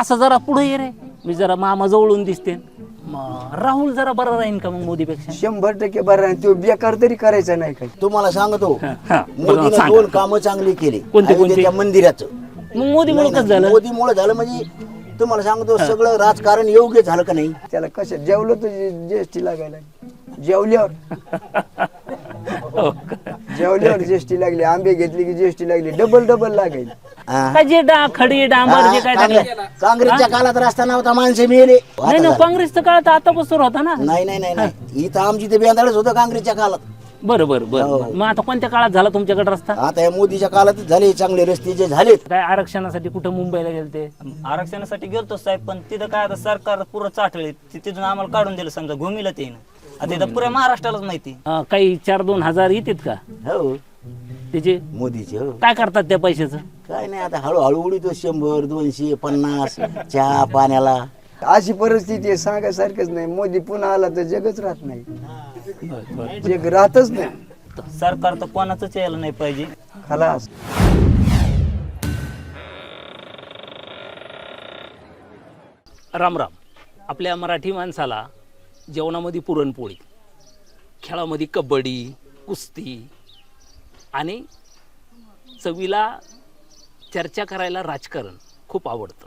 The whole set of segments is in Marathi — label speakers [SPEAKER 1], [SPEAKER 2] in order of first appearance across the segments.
[SPEAKER 1] असं जरा पुढे ये रे, मी जरा मामा जवळून दिसते. राहुल जरा बरा राहीन का मग मोदीपेक्षा?
[SPEAKER 2] 100% बरं आहे. तो बेकार तरी करायचा नाही काही.
[SPEAKER 3] तुम्हाला सांगतो
[SPEAKER 1] हा,
[SPEAKER 3] मोदीने
[SPEAKER 1] सांगा.
[SPEAKER 3] 2 कामं चांगली केली.
[SPEAKER 1] कोणते?
[SPEAKER 3] अयोध्येच्या मंदिराचं
[SPEAKER 1] मग मोदीमुळे कसं झालं?
[SPEAKER 3] मोदीमुळे झालं म्हणजे तुम्हाला सांगतो सगळं राजकारण योग्य झालं का नाही.
[SPEAKER 2] त्याला कसं जेवलं तर जीएसटी लागायला जेवल्यावर जेवल्यावर जीएसटी लागली. आंबे घेतले की जीएसटी लागली. डबल लागायली.
[SPEAKER 3] हा.
[SPEAKER 1] काय जे खडी डांबर जे काय टाकलं?
[SPEAKER 3] काँग्रेसच्या काळात रस्ता नव्हता, माणसे मेले.
[SPEAKER 1] नाही ना, काँग्रेसचा काळ तर आतापासून होता ना.
[SPEAKER 3] नाही इथं आमची ते बेंदाळच होतं काँग्रेसच्या काळात.
[SPEAKER 1] बरं. मग आता कोणत्या काळात झाला तुमच्याकडे रस्ता?
[SPEAKER 3] आता या मोदीच्या काळात झाले चांगले रस्ते जे झालेत.
[SPEAKER 1] काय आरक्षणासाठी कुठं मुंबईला गेलते?
[SPEAKER 4] आरक्षणासाठी गेलतो साहेब, पण तिथं काय आता सरकार पुरं चाटले, तिथून आम्हाला काढून दिलं समजा घुमीला ते आता इथं पुऱ्या महाराष्ट्रालाच माहिती.
[SPEAKER 1] काही 4-2 हजार येतात का
[SPEAKER 3] हो
[SPEAKER 1] त्याचे?
[SPEAKER 3] मोदीचे हो.
[SPEAKER 1] काय करतात त्या पैशाचं?
[SPEAKER 3] काय नाही आता हळूहळू उडीतो 100, 200, 50 चहा पाण्याला.
[SPEAKER 2] अशी परिस्थिती आहे, सांगायसारखंच नाही. मोदी पुन्हा आला तर जगच राहत नाही. जग राहतच नाही.
[SPEAKER 4] सरकार तर कोणाचंच यायला नाही पाहिजे.
[SPEAKER 2] खलास.
[SPEAKER 1] राम राम. आपल्या मराठी माणसाला जेवणामध्ये पुरणपोळी, खेळामध्ये कबड्डी, कुस्ती आणि चवीला चर्चा करायला राजकारण खूप आवडतं.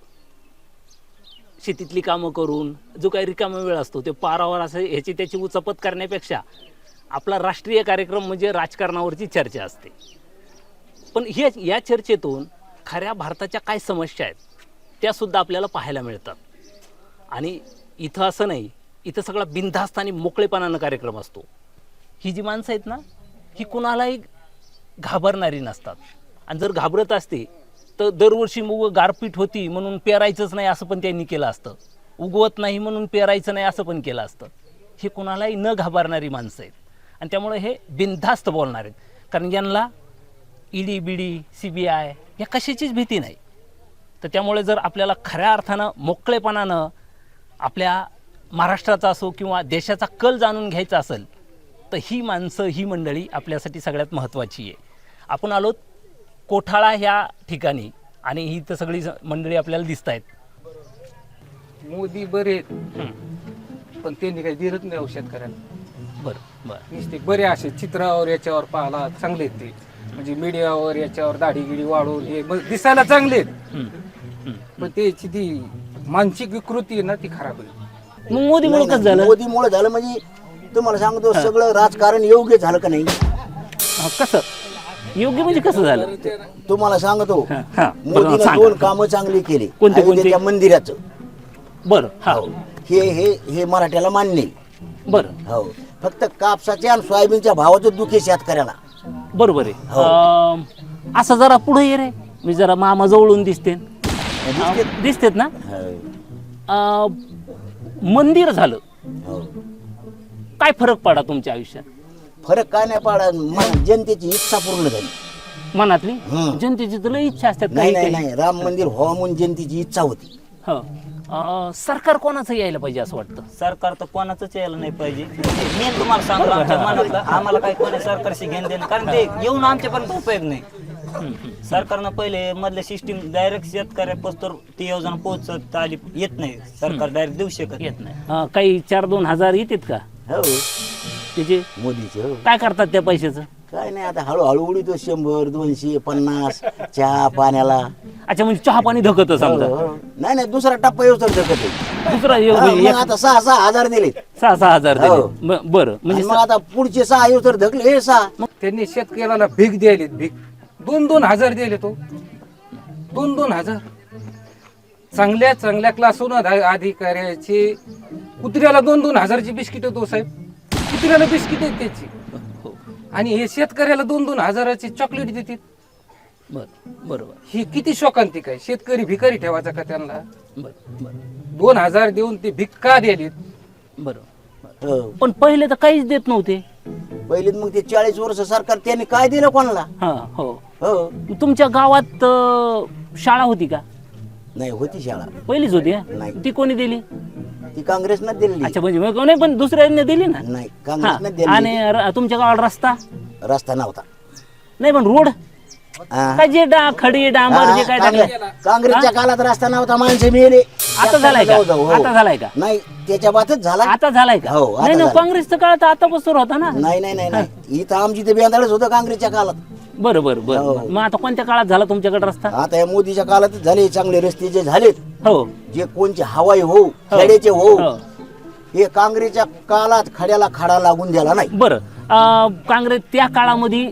[SPEAKER 1] शेतीतली कामं करून जो काही रिकामा वेळ असतो ते पारावर असं ह्याची त्याची उचपत करण्यापेक्षा आपला राष्ट्रीय कार्यक्रम म्हणजे राजकारणावरची चर्चा असते. पण या चर्चेतून खऱ्या भारताच्या काय समस्या आहेत त्यासुद्धा आपल्याला पाहायला मिळतात. आणि इथं असं नाही, इथं सगळा बिनधास्त आणि मोकळेपणानं कार्यक्रम असतो. ही जी माणसं आहेत ना, ही कुणालाही घाबरणारी नसतात. आणि जर घाबरत असते तर दरवर्षी मूग गारपीट होती म्हणून पेरायचंच नाही असं पण त्यांनी केलं असतं. उगवत नाही म्हणून पेरायचं नाही असं पण केलं असतं. हे कुणालाही न घाबरणारी माणसं आहेत आणि त्यामुळे हे बिनधास्त बोलणार आहेत. कारण यांना ईडी बीडी CBI या कशाचीच भीती नाही. तर त्यामुळे जर आपल्याला खऱ्या अर्थानं मोकळेपणानं आपल्या महाराष्ट्राचा असो किंवा देशाचा कल जाणून घ्यायचा असेल तर ही माणसं, ही मंडळी आपल्यासाठी सगळ्यात महत्त्वाची आहे. आपण आलोत कोठाळा ह्या ठिकाणी आणि ही तर सगळी मंडळी आपल्याला दिसत आहेत.
[SPEAKER 5] मोदी बरे आहेत, पण त्यांनी काही दिलंच नाही शेतकऱ्याला.
[SPEAKER 1] बरं.
[SPEAKER 5] नुसते बरे असे चित्रावर याच्यावर पाहायला चांगले आहेत ते, म्हणजे मीडियावर याच्यावर दाढी गिडी वाढवून हे दिसायला चांगले आहेत, पण त्याची ती मानसिक विकृती आहे ना ती खराब आहे.
[SPEAKER 1] मग मोदीमुळे कसं झालं?
[SPEAKER 3] मोदीमुळे झालं म्हणजे तुम्हाला सांगतो सगळं राजकारण योग्य झालं का नाही.
[SPEAKER 1] कसं योग्य म्हणजे कसं झालं?
[SPEAKER 3] तुम्हाला सांगतो
[SPEAKER 1] हा,
[SPEAKER 3] मोदीने
[SPEAKER 1] सांगा.
[SPEAKER 3] 2 कामं चांगली केली.
[SPEAKER 1] कोणते?
[SPEAKER 3] अयोध्येच्या मंदिराचं.
[SPEAKER 1] बरं. हा,
[SPEAKER 3] हे मराठ्याला मान्य आहे.
[SPEAKER 1] बरं.
[SPEAKER 3] हो, फक्त कापसाच्या आणि सोयाबीनच्या भावाचं दुःख आहे शेतकऱ्याला.
[SPEAKER 1] बरोबर आहे. असं जरा पुढे ये रे, मी जरा मामा जवळून दिसते. दिसतेत ना? मंदिर झालं,
[SPEAKER 3] हो.
[SPEAKER 1] काय फरक पडा तुमच्या आयुष्यात?
[SPEAKER 3] फरक काय नाही पडा, जनतेची इच्छा पूर्ण झाली.
[SPEAKER 1] मनातली
[SPEAKER 3] हं.
[SPEAKER 1] जनतेची तुला इच्छा असतात
[SPEAKER 3] नाही
[SPEAKER 1] काही
[SPEAKER 3] नाही नाही राम मंदिर व्हावं म्हणून जनतेची इच्छा होती.
[SPEAKER 1] सरकार कोणाचं यायला पाहिजे असं वाटतं?
[SPEAKER 4] सरकार तर कोणाचंच यायला नाही पाहिजे. मी तुम्हाला सांगतो आमच्या मनातलं, आम्हाला काही कोणी सरकारशी घेणं देणं, कारण ते येऊन आमच्यापर्यंत उपयोग नाही. सरकारनं पहिले मधल्या सिस्टीम डायरेक्ट शेतकऱ्यापासून ती योजना पोहोचत आली येत नाही. सरकार डायरेक्ट देऊ शकत
[SPEAKER 1] येत नाही. काही 4-2 हजार येतात का
[SPEAKER 3] हो
[SPEAKER 1] त्याचे?
[SPEAKER 3] मोदीचे. हो
[SPEAKER 1] काय करतात त्या पैशाचं?
[SPEAKER 3] काय नाही आता हळूहळू उडीतो 100, 200, 50 चहा पाण्याला.
[SPEAKER 1] अच्छा, म्हणजे चहा पाणी धकत समजा.
[SPEAKER 3] हो. नाही दुसरा टप्पा येऊ शकत
[SPEAKER 1] दुसरा
[SPEAKER 3] आता 6-6 हजार दिले.
[SPEAKER 1] 6-6 हजार दिले.
[SPEAKER 3] हो.
[SPEAKER 1] बरं, म्हणजे
[SPEAKER 3] मग आता पुढचे 6 येऊ तर धकले हे 6.
[SPEAKER 5] त्यांनी शेतकऱ्याला भीक द्यायली, भीक 2-2 हजार दिले. तो 2-2 हजार चांगल्या क्लासून अधिकाऱ्याची कुत्र्याला 2-2 हजारची बिस्किट तो साहेब. कुत्र्याला बिस्किट आहेत त्याची, आणि हे शेतकऱ्याला 2-2 हजाराची चॉकलेट देतात.
[SPEAKER 1] बरोबर.
[SPEAKER 5] ही किती शोकांतिक आहे. शेतकरी भिकारी ठेवायचा का त्यांना?
[SPEAKER 1] बरं.
[SPEAKER 5] 2 हजार देऊन ते भीक का द्यायलीत?
[SPEAKER 1] बरोबर.
[SPEAKER 3] हो.
[SPEAKER 1] पण पहिले तर काहीच देत नव्हते.
[SPEAKER 3] पहिले मग ते 40 वर्ष सरकार त्यांनी काय दिलं कोणाला?
[SPEAKER 1] हो.
[SPEAKER 3] हो
[SPEAKER 1] तुमच्या गावात शाळा होती का?
[SPEAKER 3] नाही होती शाळा,
[SPEAKER 1] पहिलीच होती.
[SPEAKER 3] नाही.
[SPEAKER 1] ती कोणी दिली?
[SPEAKER 3] ती काँग्रेसनं दिली.
[SPEAKER 1] अच्छा, म्हणजे नाही, पण दुसऱ्याने दिली ना?
[SPEAKER 3] नाही
[SPEAKER 1] हा.
[SPEAKER 3] काँग्रेसनं दिली.
[SPEAKER 1] आणि तुमच्या गावात रस्ता
[SPEAKER 3] रस्ता नव्हता.
[SPEAKER 1] नाही, पण रोड
[SPEAKER 3] हा.
[SPEAKER 1] काय जे खडी डांबर जे काय टाकलं
[SPEAKER 3] काँग्रेसच्या काळात रस्ता नव्हता, माणसं मेले.
[SPEAKER 1] आता झालाय का?
[SPEAKER 3] हो.
[SPEAKER 1] आता झालाय का?
[SPEAKER 3] नाही त्याच्या बातच झाला.
[SPEAKER 1] आता झालाय का?
[SPEAKER 3] हो, आता
[SPEAKER 1] नाही
[SPEAKER 3] झालाय.
[SPEAKER 1] काँग्रेसचं काळ तर आता बसून होता ना.
[SPEAKER 3] नाही नाही नाही नाही इथं आमची ते बेंदाळच होतं काँग्रेसच्या काळात.
[SPEAKER 1] बरं बरं बरं मग आता कोणत्या काळात झाला तुमच्याकडे रस्ता?
[SPEAKER 3] आता या मोदीच्या काळातच झाले चांगले रस्ते जे झालेत,
[SPEAKER 1] हो
[SPEAKER 3] जे कोणचे हवाई हो खेड्याचे हो,
[SPEAKER 1] हो.
[SPEAKER 3] हे काँग्रेसच्या काळात खड्याला खडा लागून द्याला नाही.
[SPEAKER 1] बरं काँग्रेस त्या काळामध्ये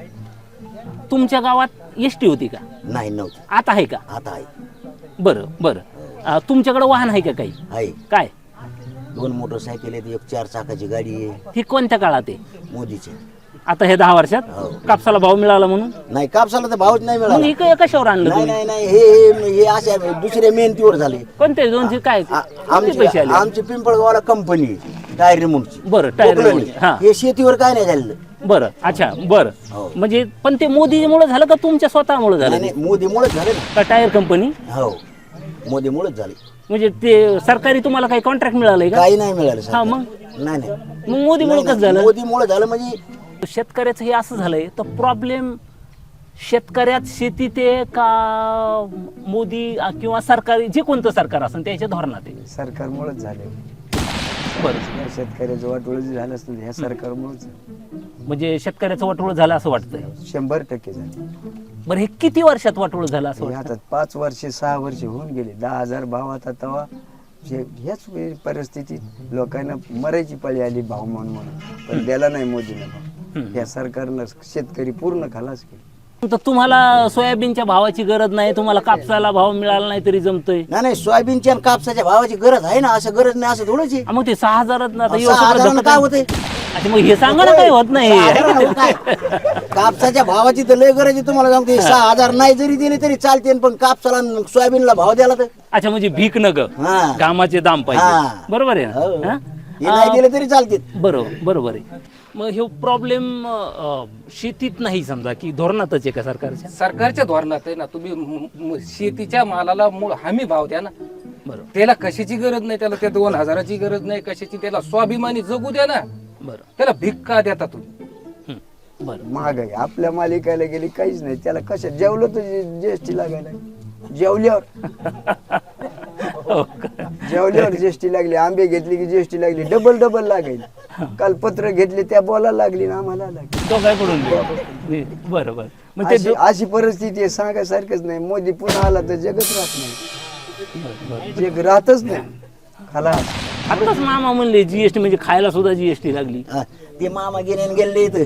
[SPEAKER 1] तुमच्या गावात एसटी होती का?
[SPEAKER 3] नाही नव्हतं.
[SPEAKER 1] आता आहे का?
[SPEAKER 3] आता आहे.
[SPEAKER 1] बरं बरं तुमच्याकडे वाहन आहे का काही?
[SPEAKER 3] आहे
[SPEAKER 1] काय
[SPEAKER 3] 2 मोटरसायकल आहेत, 1 4 चाकाची गाडी आहे
[SPEAKER 1] ही कोणत्या काळात आहे?
[SPEAKER 3] मोदीची.
[SPEAKER 1] आता हे 10 वर्षात
[SPEAKER 3] हो.
[SPEAKER 1] कापसाला भाव मिळाला म्हणून
[SPEAKER 3] नाही कापसाला तर भावच नाही
[SPEAKER 1] मग
[SPEAKER 3] मिळाला.
[SPEAKER 1] ही कशावर आणलं
[SPEAKER 3] नाही
[SPEAKER 1] तुम्ही?
[SPEAKER 3] नाही नाही हे अशा दुसऱ्या मेहनतीवर झाले.
[SPEAKER 1] कोणते 200 काय किती पैसे आले?
[SPEAKER 3] आमची पिंपळगावला कंपनी टायर रिमूव्हची.
[SPEAKER 1] बरं टायर
[SPEAKER 3] कोकणाने.
[SPEAKER 1] हा
[SPEAKER 3] हे शेतीवर काय नाही झालेलं.
[SPEAKER 1] बरं अच्छा बरं
[SPEAKER 3] हो.
[SPEAKER 1] म्हणजे पण ते मोदीमुळे झालं का तुमच्या स्वतःमुळे झालं?
[SPEAKER 3] नाही मोदीमुळेच झाले ना.
[SPEAKER 1] का टायर कंपनी?
[SPEAKER 3] हो मोदीमुळेच झाले.
[SPEAKER 1] म्हणजे ते सरकारी तुम्हाला काही कॉन्ट्रॅक्ट मिळालंय का?
[SPEAKER 3] काही नाही मिळालं
[SPEAKER 1] हा
[SPEAKER 3] सर.
[SPEAKER 1] मग
[SPEAKER 3] नाही नाही
[SPEAKER 1] मग मोदीमुळे कसं झालं?
[SPEAKER 3] मोदीमुळे झालं म्हणजे
[SPEAKER 1] शेतकऱ्याचं हे असं झालंय तर प्रॉब्लेम शेतकऱ्यात शेतीत आहे का मोदी किंवा सरकारी जे कोणतं सरकार असेल त्याच्या धोरणात आहे?
[SPEAKER 2] सरकारमुळेच झाले.
[SPEAKER 1] बरं
[SPEAKER 2] शेतकऱ्याचं वाटोळ जे झालं असतं ह्या सरकारमुळेच
[SPEAKER 1] म्हणजे शेतकऱ्याचं वाटोळ झालं असं वाटतंय.
[SPEAKER 2] 100% झालं.
[SPEAKER 1] बरं हे किती वर्षात वाटोळ झालं असं
[SPEAKER 2] हे
[SPEAKER 1] वाटतं?
[SPEAKER 2] आता 5 वर्ष 6 वर्ष होऊन गेले. 10,000 भाव आता तेव्हा ह्याच परिस्थितीत लोकांना मरायची पाळी आली भाव म्हणून पण द्याला नाही मोदीने भाव. या सरकारनं शेतकरी पूर्ण खलास केली.
[SPEAKER 1] तर तुम्हाला सोयाबीनच्या भावाची गरज नाही, तुम्हाला कापसाला भाव मिळाला नाही तरी जमतोय.
[SPEAKER 3] नाही सोयाबीनच्या आणि कापसाच्या भावाची गरज आहे ना, असं गरज नाही असं थोडंच आहे.
[SPEAKER 1] मग ते 6,000
[SPEAKER 3] काय होते
[SPEAKER 1] मग हे सांगा ना काही होत नाही.
[SPEAKER 3] कापसाच्या भावाची तर लय गरज आहे तुम्हाला सांगते. 6,000 नाही जरी दिले तरी चालते, पण कापसाला आणि सोयाबीनला भाव द्याला तर
[SPEAKER 1] अच्छा म्हणजे भीक न ग
[SPEAKER 3] हा.
[SPEAKER 1] घामाचे दाम
[SPEAKER 3] हा.
[SPEAKER 1] पाहिजे. बरोबर आहे
[SPEAKER 3] हो.
[SPEAKER 1] ना? हा?
[SPEAKER 3] हे नाही दिले तरी चालते.
[SPEAKER 1] बरोबर आहे. मग हे प्रॉब्लेम शेतीत नाही समजा की धोरणातच आहे का सरकारच्या?
[SPEAKER 5] सरकारच्या धोरणात आहे ना. तुम्ही शेतीच्या मालाला मूळ हमी भाव द्या ना.
[SPEAKER 1] बरोबर
[SPEAKER 5] त्याला कशाची गरज नाही, त्याला त्या 2,000ची गरज नाही कशाची. त्याला स्वाभिमानी जगू द्या ना.
[SPEAKER 1] बरं
[SPEAKER 5] त्याला भिक्का देता तुम्ही.
[SPEAKER 1] बरं
[SPEAKER 2] महागाई आपल्या मालिकाला गेली काहीच नाही. त्याला कशा जेवलं तर जीएसटी लागायला जेवल्यावर
[SPEAKER 1] हो का?
[SPEAKER 2] जेवल्यावर जीएसटी लागली. आंबे घेतले की जीएसटी लागली. डबल लागायली. काल पत्र घेतले त्या बोलायला लागली ना आम्हाला लागली.
[SPEAKER 1] तो काय पडून गेला? बरोबर मग ते
[SPEAKER 2] अशी परिस्थिती आहे सांगायसारखंच नाही. मोदी पुन्हा आला तर जगच राहत नाही. जग राहतच नाही खलास.
[SPEAKER 1] आताच मामा म्हणले जीएसटी म्हणजे खायला सुद्धा जीएसटी लागली.
[SPEAKER 3] हा, ते मामा गेले आणि गेले इथं.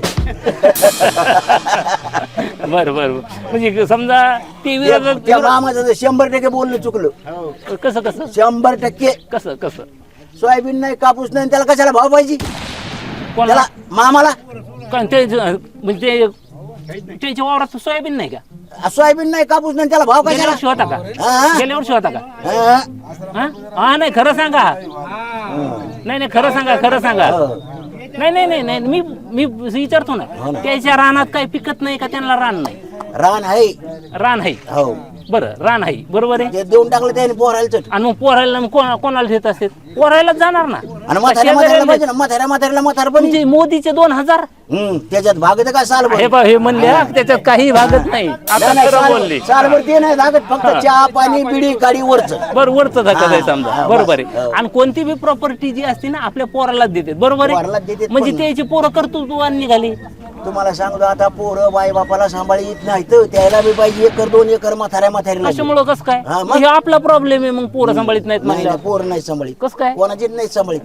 [SPEAKER 1] बरं म्हणजे समजा ते विरोधात
[SPEAKER 3] त्या मामाचं 100% बोलणं चुकलं.
[SPEAKER 1] कसं
[SPEAKER 3] 100%
[SPEAKER 1] कसं
[SPEAKER 3] सोयाबीन नाही कापूस नाही त्याला कशाला भाव पाहिजे
[SPEAKER 1] कोणाला?
[SPEAKER 3] त्याला मामाला.
[SPEAKER 1] कारण ते म्हणजे त्याच्या वावरात सोयाबीन नाही का?
[SPEAKER 3] सोयाबीन नाही कापूस नाही त्याला भाव
[SPEAKER 1] गेल्या
[SPEAKER 3] कशाला.
[SPEAKER 1] वर्षी होता का?
[SPEAKER 3] हा.
[SPEAKER 1] गेल्या वर्षी होता का?
[SPEAKER 3] हा.
[SPEAKER 1] हा नाही खरं सांगा. नाही खरं सांगा. नाही मी विचारतो ना. त्याच्या रानात काही पिकत नाही का? त्यांना रान नाही?
[SPEAKER 3] रान आहे.
[SPEAKER 1] रान आहे.
[SPEAKER 3] हो
[SPEAKER 1] बरं रान आहे बरोबर आहे.
[SPEAKER 3] ते देऊन टाकलं त्याने पोरायला चट.
[SPEAKER 1] आणि मग पोरायला कोणाला देत असते? पोरायला जाणार ना.
[SPEAKER 3] आणि म्हाताऱ्याला पाहिजे ना. म्हाताऱ्याला म्हातार पण
[SPEAKER 1] म्हणजे मोदीचे 2,000
[SPEAKER 3] त्याच्यात भागत काय साल
[SPEAKER 1] हे म्हणले हा, त्याच्यात काही भागत नाही. आता खरं बोलले.
[SPEAKER 3] सालभर ते नाही भागत. फक्त चहा पाणी बिडी गाडी वरच.
[SPEAKER 1] बरं वरच धक्का आहे समजा.
[SPEAKER 3] हा,
[SPEAKER 1] बरोबर
[SPEAKER 3] बस.
[SPEAKER 1] आहे.
[SPEAKER 3] हो.
[SPEAKER 1] आणि कोणती बी प्रॉपर्टी जी असते ना आपल्या पोरालाच देते. बरोबर
[SPEAKER 3] पोरालाच
[SPEAKER 1] आहे.
[SPEAKER 3] देतात
[SPEAKER 1] म्हणजे
[SPEAKER 3] पण.
[SPEAKER 1] त्याची पोरं कर्तृत्वान निघाली.
[SPEAKER 3] तुम्हाला सांगतो आता पोरं बाई बापाला सांभाळी येत नाही तर त्याला बी पाहिजे 1 2 एकर म्हाताऱ्याला.
[SPEAKER 1] कशामुळं कसं काय?
[SPEAKER 3] हा, मग?
[SPEAKER 1] म्हणजे आपला प्रॉब्लेम आहे. मग पोरं सांभाळीत नाहीत
[SPEAKER 3] नाही
[SPEAKER 1] म्हणल्यावर
[SPEAKER 3] पोरं नाही सांभाळीत.
[SPEAKER 1] कसं काय?
[SPEAKER 3] कोणाचीच नाही सांभाळीत.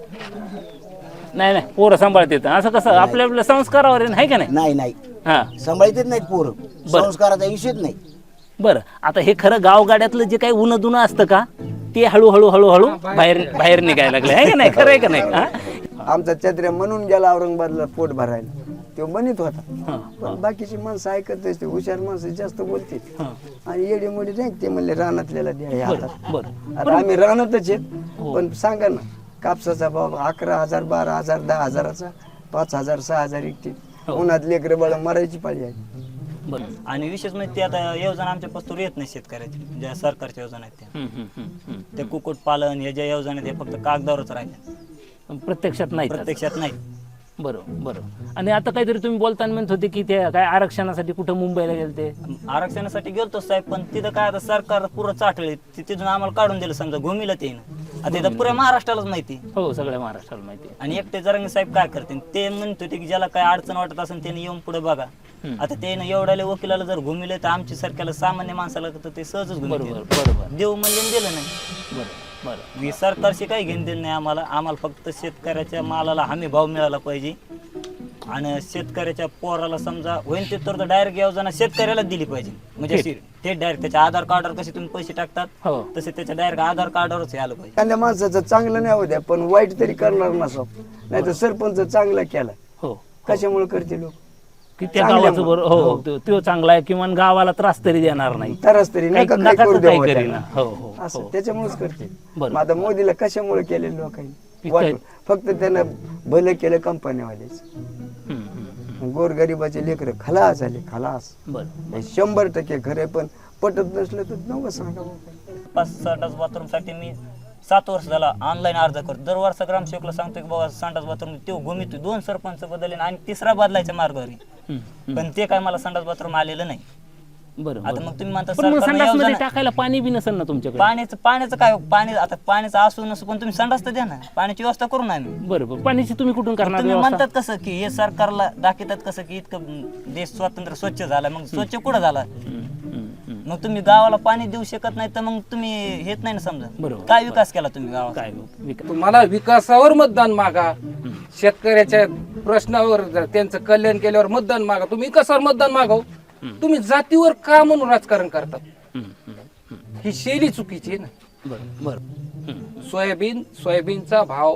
[SPEAKER 1] नाही पोरं सांभाळत येतं असं कसं? आपल्या संस्कारावर आहे का नाही?
[SPEAKER 3] नाही
[SPEAKER 1] हा
[SPEAKER 3] सांभाळीतच नाहीत पोरं. संस्काराचा विषयच नाही.
[SPEAKER 1] बरं आता हे खरं गावगाड्यातलं जे काही उन्ह दुनं असतं का ते हळूहळू बाहेर निघायला लागले आहे का नाही? खरं आहे का नाही? हा?
[SPEAKER 2] आमचा चत्र्या म्हणून गेला औरंगाबादला पोट भरायला. तो बनित होता.
[SPEAKER 1] हा,
[SPEAKER 2] पण बाकीची माणसं ऐकत असते. हुशार माणसं जास्त बोलते.
[SPEAKER 1] हा.
[SPEAKER 2] आणि येडी मोडी नाही ते म्हणले रानातल्याला द्या हे हातात.
[SPEAKER 1] बरं
[SPEAKER 2] आता आम्ही रानातच आहेत. पण सांगा ना कापसाचा भाव 11,000 12,000 10,000चा 5,000 6,000 इकते. उन्हात लेकरं बाळ मरायची पाळी आहे.
[SPEAKER 1] बरं
[SPEAKER 4] आणि विशेष म्हणजे ते आता योजना आमच्या पस्तूर येत नाही शेतकऱ्याची. ज्या सरकारच्या योजना आहेत त्या ते कुक्कुट पालन हे ज्या योजना आहेत हे फक्त कागदावरच राहिल्या.
[SPEAKER 1] प्रत्यक्षात नाही.
[SPEAKER 4] प्रत्यक्षात नाही.
[SPEAKER 1] बरोबर बरोबर. आणि आता काहीतरी तुम्ही बोलताना म्हणत होते की ते काय आरक्षणासाठी कुठं मुंबईला गेलते.
[SPEAKER 4] आरक्षणासाठी गेलतो साहेब, पण तिथं काय आता सरकार पुरं चाटले, तिथून आम्हाला काढून दिलं समजा घुमीला ते आता इथं पुऱ्या महाराष्ट्रालाच माहिती.
[SPEAKER 1] हो सगळ्या महाराष्ट्राला माहिती आहे.
[SPEAKER 4] आणि एकटे जरांगे साहेब काय करते ते म्हणत होते की ज्याला काय अडचण वाटत असेल त्याने येऊन पुढे बघा. आता ते एवढ्याले वकिलाला जर घुमिले तर आमच्या सारख्याला सामान्य माणसाला तर ते सहजच
[SPEAKER 1] बरोबर
[SPEAKER 4] घुमिले.
[SPEAKER 1] बरोबर
[SPEAKER 4] देव म्हणजे दिलं नाही.
[SPEAKER 1] बरोबर बरोबर.
[SPEAKER 4] मी सरकारशी काही घेणं देणं नाही आम्हाला फक्त शेतकऱ्याच्या मालाला हमी भाव मिळाला पाहिजे. आणि शेतकऱ्याच्या पोराला समजा होईल ते तर डायरेक्ट योजना शेतकऱ्याला दिली पाहिजे. म्हणजे अशी थेट डायरेक्ट त्याच्या आधार कार्डवर कसे तुम्ही पैसे टाकतात
[SPEAKER 1] हो
[SPEAKER 4] तसे त्याच्या डायरेक्ट आधार कार्डवरच आलं पाहिजे.
[SPEAKER 2] एखाद्या माणसाचं चांगलं नाही होऊ द्या पण वाईट तरी करणार नसो. नाही तर सरपंच चांगला केला
[SPEAKER 1] हो
[SPEAKER 2] कशामुळे करते लोक
[SPEAKER 1] की त्या गावाचं बरोबर हो तो चांगला आहे किंवा गावाला त्रास तरी देणार नाही.
[SPEAKER 2] तरच तरी नका
[SPEAKER 1] काही-
[SPEAKER 2] काय
[SPEAKER 1] नका
[SPEAKER 2] करू
[SPEAKER 1] तर
[SPEAKER 2] द्या
[SPEAKER 1] काही
[SPEAKER 2] बुवा
[SPEAKER 1] करीना.
[SPEAKER 2] त्याला.
[SPEAKER 1] हो हो
[SPEAKER 2] असं
[SPEAKER 1] हो.
[SPEAKER 2] त्याच्यामुळेच करते.
[SPEAKER 1] बरोबर.
[SPEAKER 2] मग आता मोदीला कशामुळे केले लोकांनी
[SPEAKER 1] की
[SPEAKER 2] वाटलं.
[SPEAKER 1] काय-
[SPEAKER 2] फक्त त्यांना भलं केलं कंपन्यावालेच.
[SPEAKER 1] हम्म, हम्म,
[SPEAKER 2] गोरगरिबाचे लेकर खलास झाले खलास.
[SPEAKER 1] बरं
[SPEAKER 2] हे 100% खरे पण पटत नसलं तर नवं सांगा बुवा.
[SPEAKER 4] 5 संडास बाथरूम साठी मी 7 वर्ष झाला ऑनलाईन अर्ज करतो. दर वर्ष ग्रामसेवकला सांगतो की बाबा संडास बाथरूम तो घुमितो 2 सरपंच बदलले आणि 3रा बदलायच्या मार्गावर. पण ते काय मला संडास बाथरूम आलेलं नाही.
[SPEAKER 1] बरं
[SPEAKER 4] आता
[SPEAKER 1] बरं.
[SPEAKER 4] मग तुम्ही म्हणता
[SPEAKER 1] पण मग
[SPEAKER 4] सरकारने
[SPEAKER 1] संडासमध्ये
[SPEAKER 4] योजना-
[SPEAKER 1] टाकायला पाणी बी नसेल ना तुमच्याकडे.
[SPEAKER 4] पाण्याचं काय आता पाण्याचं असू नसू पण तुम्ही संडास तर द्या ना. पाण्याची व्यवस्था करू ना आम्ही.
[SPEAKER 1] बरोबर पाण्याची तुम्ही कुठून करणार
[SPEAKER 4] तुम्ही
[SPEAKER 1] व्यवस्था?
[SPEAKER 4] म्हणतात कसं की हे सरकारला दाखवतात कसं की इतकं देश स्वातंत्र्य स्वच्छ झाला. मग स्वच्छ कुठं झाला?
[SPEAKER 1] हम्म, हम्म, हम्म.
[SPEAKER 4] मग तुम्ही गावाला पाणी देऊ शकत नाही तर मग तुम्ही हेच नाही ना समजा.
[SPEAKER 1] बरोबर.
[SPEAKER 4] काय विकास केला तुम्ही गावात?
[SPEAKER 1] काय विकास?
[SPEAKER 5] तुम्हाला विकासावर मतदान मागा, शेतकऱ्याच्या प्रश्नावर त्यांचं कल्याण केल्यावर मतदान मागा. तुम्ही विकासावर मतदान मागाव. तुम्ही जातीवर का म्हणून राजकारण करतात?
[SPEAKER 1] हम्म, हम्म, हम्म.
[SPEAKER 5] ही शैली चुकीची आहे ना.
[SPEAKER 1] बरं बरं हम्म.
[SPEAKER 5] सोयाबीनचा भाव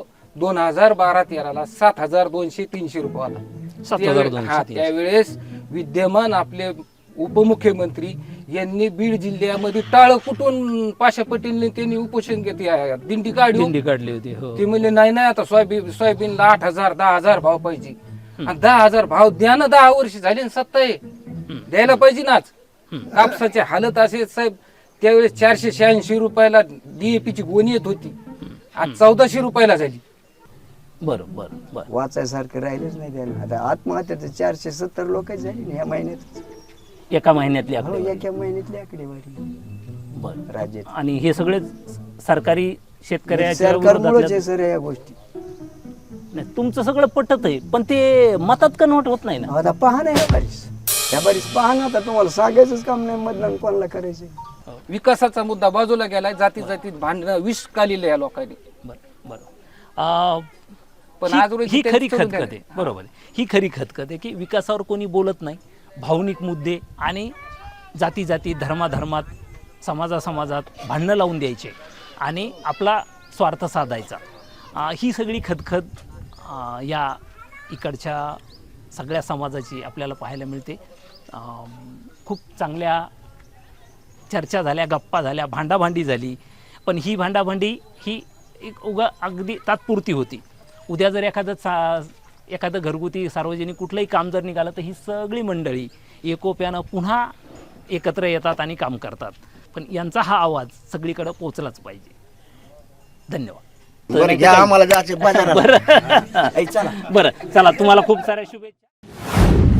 [SPEAKER 5] 2012-13ला 7,200-300 रुपये आला.
[SPEAKER 1] 7,200-300.
[SPEAKER 5] त्यावेळेस विद्यमान आपले उपमुख्यमंत्री यांनी बीड जिल्ह्यामध्ये टाळ कुठून पाशा पटेलने त्यांनी उपोषण घेतले, दिंडी काढली.
[SPEAKER 1] दिंडी काढली होती हो.
[SPEAKER 5] ते म्हणले नाही आता सोयाबीनला 8,000-10,000 भाव पाहिजे. आणि 10,000 भाव द्या ना. 10 वर्ष झाली ना सत्ता आहे, द्यायला पाहिजे नाच. कापसाची हालत असे साहेब, त्यावेळेस 486 रुपयाला DAP ची गोणी येत होती, आज 1,400 रुपयाला झाली.
[SPEAKER 1] बरं बरं बरं.
[SPEAKER 2] वाचायसारखं राहिलंच नाही त्याला. आता आत्महत्या तर 470 लोक झाली ना या महिन्यात.
[SPEAKER 1] एका महिन्यातली
[SPEAKER 2] हो,
[SPEAKER 1] आकडेवारी.
[SPEAKER 2] एका महिन्यातली आकडेवारी
[SPEAKER 1] बरं.
[SPEAKER 2] राज्यात.
[SPEAKER 1] आणि हे सगळे सरकारी शेतकऱ्याच्या
[SPEAKER 2] सरकारमुळेच
[SPEAKER 1] विरोधातल्या-
[SPEAKER 2] आहे सर या गोष्टी.
[SPEAKER 1] नाही, तुमचं सगळं पटत आहे पण ते मतात कन्वर्ट होत नाही ना.
[SPEAKER 2] आता पहा ना ह्या बारीस पहा ना. आता तुम्हाला सांगायचंच काम नाही मतदान कोणाला करायचं.
[SPEAKER 5] विकासाचा मुद्दा बाजूला गेलाय, जातीत भांडणं विष काढलेलं या लोकांनी.
[SPEAKER 1] बरं बरं.
[SPEAKER 5] पण
[SPEAKER 1] ही-
[SPEAKER 5] आज रोजी
[SPEAKER 1] ही
[SPEAKER 5] तेच
[SPEAKER 1] खरी
[SPEAKER 5] करून
[SPEAKER 1] खतखत आहे.
[SPEAKER 5] द्यायला.
[SPEAKER 1] बरोबर आहे. ही खरी खतखत आहे की विकासावर कोणी बोलत नाही. भावनिक मुद्दे आणि जाती धर्मात समाजात भांडणं लावून द्यायचे आणि आपला स्वार्थ साधायचा. ही सगळी खतखत या इकडच्या सगळ्या समाजाची आपल्याला पाहायला मिळते. खूप चांगल्या चर्चा झाल्या, गप्पा झाल्या, भांडाभांडी झाली. पण ही भांडाभांडी ही एक अगदी तात्पुरती होती. उद्या जर एखादं घरगुती सार्वजनिक कुठलंही काम जर निघालं तर ही सगळी मंडळी एकोप्यानं पुन्हा एकत्र येतात आणि काम करतात. पण यांचा हा आवाज सगळीकडे पोहोचलाच पाहिजे. धन्यवाद.
[SPEAKER 3] बरं घ्या आम्हाला जायचं बाजारात.
[SPEAKER 1] बरं
[SPEAKER 3] ऐ, चला
[SPEAKER 1] बरं चला तुम्हाला खूप साऱ्या शुभेच्छा.